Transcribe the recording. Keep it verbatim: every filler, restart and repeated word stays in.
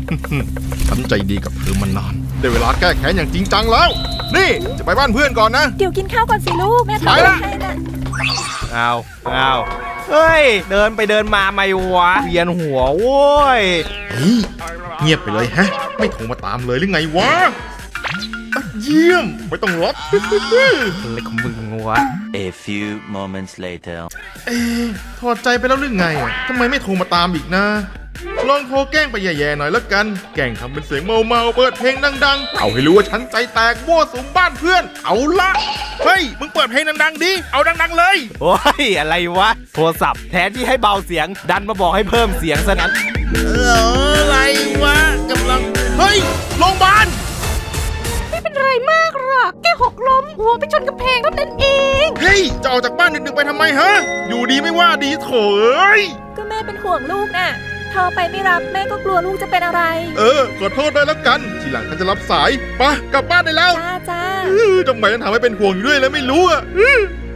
ฉันใจดีกับเธอมานานได้เวลาแก้แค้นอย่างจริงจังแล้วนี่จะไปบ้านเพื่อนก่อนนะเดี๋ยวกินข้าวก่อนสิลูกแม่ทำอะไรให้น่ะเอาเอาเฮ้ยเดินไปเดินมาไม่วะเวียนหัวโว้ยเฮ้ยเงียบไปเลยฮะไม่โทรมาตามเลยหรือไงวะเยี่ยมไม่ต้องรับอะไรของมึงวะ A few moments later เอ๊ะถอดใจไปแล้วหรือไงทำไมไม่โทรมาตามอีกนะลองโทรแกล้งไปแย่ๆหน่อยแล้วกันแกล้งทำเป็นเสียงเมาๆเปิดเพลงดังๆเอาให้รู้ว่าฉันใจแตกมั่วสุมบ้านเพื่อนเอาละเฮ้ยมึงเปิดเพลงดังๆดิเอาดังๆเลยโอ้ยอะไรวะโทรศัพท์แทนที่ให้เบาเสียงดันมาบอกให้เพิ่มเสียงซะงั้นเอออะไรวะกำลังเฮ้ยโรงพยาบาลไม่เป็นไรมากหรอกแค่หกล้มหัวไปชนกำแพงเท่านั้นเองเฮ้ยจะออกจากบ้านดึกๆไปทำไมฮะอยู่ดีไม่ว่าดีโถเอ้ยก็แม่เป็นห่วงลูกน่ะโทรไปไม่รับแม่ก็กลัวลูกจะเป็นอะไรเออขอโทษด้วยแล้วกันทีหลังฉันจะรับสายไปกลับบ้านได้แล้วจ้าจ้าทำไมฉันทำให้เป็นห่วงอยู่ด้วยแล้วไม่รู้อ่ะ